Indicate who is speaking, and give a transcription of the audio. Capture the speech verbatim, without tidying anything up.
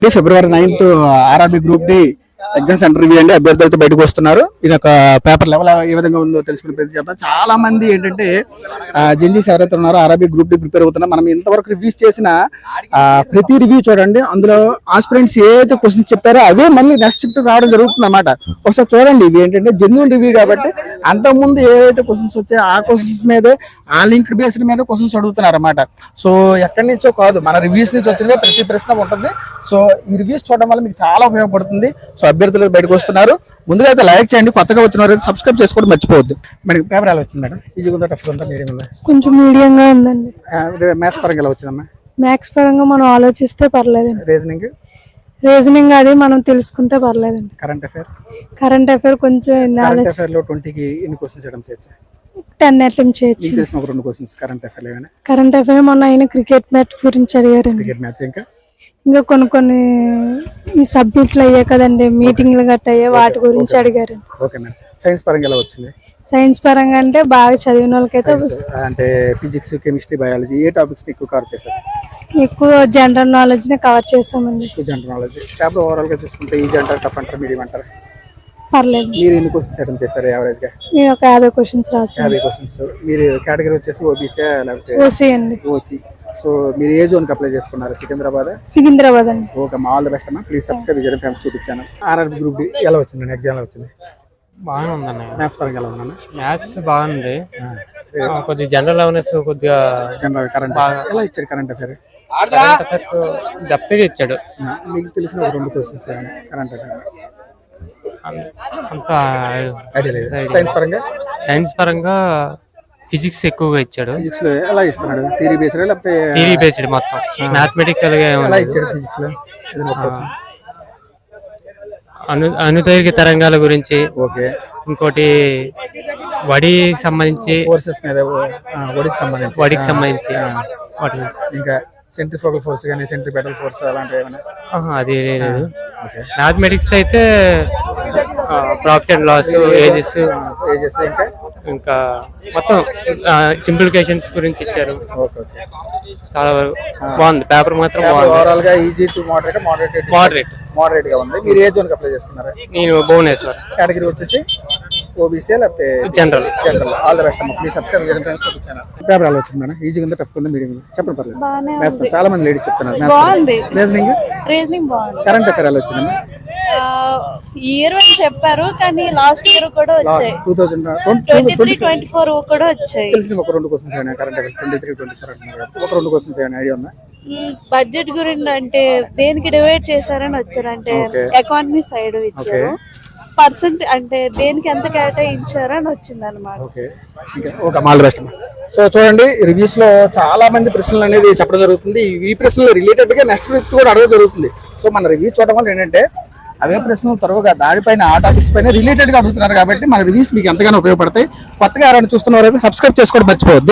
Speaker 1: ఫిబ్రవరి ninth RRB group D exam center review అండి. అభ్యర్థులతో బయటకు వస్తున్నారు. ఇది ఒక పేపర్ లెవెల్ ఏ విధంగా ఉందో తెలుసుకునే ప్రయత్నం చేద్దాం. చాలా మంది ఏంటంటే జెన్జీస్ ఎవరైతే ఉన్నారో ఆర్ఆర్బి గ్రూప్ డి ప్రిపేర్ అవుతున్నారు. మనం ఇంతవరకు రివ్యూస్ చేసిన ప్రతి రివ్యూ చూడండి, అందులో ఆస్పిరెంట్స్ ఏదైతే క్వశ్చన్స్ చెప్పారో అవే మళ్ళీ నెక్స్ట్ షిఫ్ట్ రావడం జరుగుతుంది అన్నమాట. ఒకసారి చూడండి, ఇవి ఏంటంటే జెన్యున్ రివ్యూ కాబట్టి అంతకుముందు ఏవైతే క్వశ్చన్స్ వచ్చాయో ఆ క్వశ్చన్స్ మీదే ఆ లింక్డ్ బేస్డ్ మీద క్వశ్చన్స్ అడుగుతున్నారు అన్నమాట. సో ఎక్కడి నుంచో కాదు, మన రివ్యూస్ నుంచి వచ్చిన ప్రతి ప్రశ్న ఉంటుంది. సో ఈ రివ్యూస్ చూడడం వల్ల మీకు చాలా ఉపయోగపడుతుంది. సో అభ్యర్థులు బయటకు వస్తున్నారు. ముందుగా అయితే లైక్ చేయండి, కొత్తగా వచ్చిన వారు సబ్స్క్రైబ్ చేసుకోవడం మర్చిపోవద్దు. మనకి పేపర్ ఎలా వచ్చింది మేడం? ఈజీగా ఉందా, టఫ్ ఉందా, మీడియం ఉందా?
Speaker 2: కొంచెం మీడియంగా ఉందండి.
Speaker 1: మ్యాథ్స్ పరంగా ఎలా వచ్చిందమ్మా?
Speaker 2: మ్యాథ్స్ పరంగా మనం ఆలోచిస్తే పర్లేదండి.
Speaker 1: రీజనింగ్
Speaker 2: రీజనింగ్ అది మనం తెలుసుకుంటే పర్లేదండి.
Speaker 1: కరెంట్ అఫైర్
Speaker 2: కరెంట్ అఫైర్ కొంచెం
Speaker 1: కరెంట్ అఫైర్ లో ట్వంటీకి ఎన్ని క్వశ్చన్స్ చేయడం చేయొచ్చా?
Speaker 2: టెన్ అటెంప్ట్ చేయొచ్చు.
Speaker 1: మీకు తెలిసిన ఒక రెండు క్వశ్చన్స్ కరెంట్ అఫైర్ ఏమైనా?
Speaker 2: కరెంట్ అఫైర్ మొన్న అయిన క్రికెట్ మ్యాచ్ గురించి అడిగారండి.
Speaker 1: క్రికెట్ మ్యాచ్ ఇంకా
Speaker 2: ఇంకా కొన్ని కొన్ని ఈ సబ్జెక్టులు అయ్యాయి కదండి, మీటింగ్లు గట్ట అయ్యాయి, వాటి గురించి అడిగారు.
Speaker 1: Okay madam. సైన్స్ పరంగా ఎలా వచ్చింది?
Speaker 2: సైన్స్ పరంగా అంటే బాగా చదివిన వాళ్ళకైతే
Speaker 1: అంటే ఫిజిక్స్, కెమిస్ట్రీ, బయాలజీ ఏ టాపిక్స్ ఎక్కువ కవర్ చేశారు?
Speaker 2: ఎక్కువ జనరల్ నాలెడ్జ్ ని కవర్ చేస్తామండి.
Speaker 1: ఎక్కువ జనరల్ నాలెడ్జ్. పేపర్ ఓవరాల్ గా చూసుకుంటే ఈజీ అంటారు, టఫ్ అంటారు, మీడియం అంటారు?
Speaker 2: పర్లేదు.
Speaker 1: మీరు ఎన్ని క్వశ్చన్స్ అటెంప్ట్ చేశారు యావరేజ్ గా?
Speaker 2: నేను ఒక యాభై క్వశ్చన్స్ రాసాను.
Speaker 1: యాభై క్వశ్చన్స్. మీరు కేటగిరీ వచ్చేసి ఓబీసీ లేకపోతే
Speaker 2: ఓసీ అండి?
Speaker 1: ఓసీ. సో మీరు ఏ జోన్ కి అప్లై చేసుకున్నారు? సికింద్రాబాద్?
Speaker 2: సికింద్రాబాద్ అండి.
Speaker 1: ఓకే, మా ఆల్ ది బెస్ట్ అమ్మా. ప్లీజ్ సబ్స్క్రైబ్ చేయడం famous YouTube channel. RRB group D ఎలా వచ్చింది? ఎగ్జామ్ ఎలా వచ్చింది?
Speaker 3: బాగానే ఉందన్న.
Speaker 1: మ్యాథ్స్ పరంగా ఎలా ఉందన్న?
Speaker 3: మ్యాథ్స్ బాగుంది, కొద్దిగా జనరల్ అవేర్నెస్, కొద్దిగా
Speaker 1: కరెంట్ ఎలా ఇచ్చాడు? Current affair
Speaker 3: current affairs depth గా ఇచ్చాడు.
Speaker 1: మీకు తెలిసిన ఒక రెండు క్వశ్చన్స్ కరెంట్ అఫైర్
Speaker 3: అంత
Speaker 1: ఐడియా లేదు. సైన్స్ పరంగా
Speaker 3: సైన్స్ పరంగా ఫిజిక్స్ ఎక్కువగా ఇచ్చాడు.
Speaker 1: ఫిజిక్స్ లో ఎలా ఇస్తున్నాడు? థియరీ బేస్డ్ లేకపోతే
Speaker 3: థియరీ బేస్డ్ మొత్తం మ్యాథమెటికల్ గా
Speaker 1: ఎలా ఇచ్చాడు? ఫిజిక్స్ లో
Speaker 3: అను అనుదైర్ఘ్య తరంగాల గురించి,
Speaker 1: ఓకే,
Speaker 3: ఇంకోటి వడి సంబంధించి
Speaker 1: ఫోర్సెస్ మీద, వడికి సంబంధించి
Speaker 3: వడికి సంబంధించి వాటి
Speaker 1: ఇంకా సెంట్రిఫ్యూగల్ ఫోర్స్ కానీ సెంట్రిపెటల్ ఫోర్స్ అలాంటివి ఏమైనా?
Speaker 3: అది లేదు. మ్యాథమెటిక్స్ అయితే profit and loss, ages
Speaker 1: ages ఇంకా
Speaker 3: ఇంకా మొత్తం సింప్లిఫికేషన్స్ గురించి ఇచ్చారు. చాలా వరకు బాగుంది. పేపర్ మాత్రం
Speaker 1: ఓవరాల్ గా easy to moderate moderate
Speaker 3: moderate
Speaker 1: moderate గా ఉంది. మీరు ఏ జోన్ కి అప్లై చేసుకున్నారు?
Speaker 3: నేను భువనేశ్వర్.
Speaker 1: కేటగిరీ వచ్చేసి ఓబీసీ లేకపోతే
Speaker 3: general?
Speaker 1: General. All the best అమ్మా. ప్లీజ్ సబ్స్క్రైబ్ చేయడం ఫ్రెండ్స్ యూట్యూబ్ ఛానల్. పేపర్ ఎలా వచ్చింది మేడం? ఈజీగా ఉందా, టఫ్ ఉందా, మీడియం ఉందా? చెప్పండి, పర్లేదు. మ్యాథ్స్ చాలా మంది లేడీస్ చెప్తున్నారు. రీజనింగ్
Speaker 4: రీజనింగ్ బాగుంది.
Speaker 1: కరెంట్ అఫైర్ ఎలా వచ్చిందమ్మా?
Speaker 4: ఇయర్ వన్ చెప్పారు కానీ లాస్ట్ ఇయర్ కూడా వచ్చాయి.
Speaker 1: Two thousand
Speaker 4: twenty three twenty four కూడా వచ్చాయి.
Speaker 1: తెలిసిన ఒక రెండు క్వశ్చన్స్ అయినా current affair twenty three twenty four అంటున్నారు. ఒక రెండు క్వశ్చన్స్ అయినా ఐడియా ఉందా?
Speaker 4: బడ్జెట్ గురించి అంటే దేనికి డివైడ్ చేశారని వచ్చారు, అంటే ఎకానమీ సైడ్ ఇచ్చారు. పర్సెంట్ అంటే దేనికి ఎంత కేటాయించారు అని వచ్చింది అనమాట.
Speaker 1: సో చూడండి, రివ్యూస్ లో చాలా మంది ప్రశ్నలు అనేది చెప్పడం జరుగుతుంది. ఈ ప్రశ్నలు రిలేటెడ్ గా నెక్స్ట్ వీక్ కూడా అడగడం జరుగుతుంది. సో మన రివ్యూస్ చూడడం వల్ల ఏంటంటే అవే ప్రశ్నలు త్వరగా దానిపైన ఆ టాపిక్స్ పైన రిలేటెడ్ గా అడుగుతున్నారు కాబట్టి మన రివ్యూస్ మీకు ఎంతగానో ఉపయోగపడతాయి. కొత్తగా ఎవరైనా చూస్తున్న వారైతే సబ్స్క్రైబ్ చేసుకోవడం మర్చిపోవద్దు.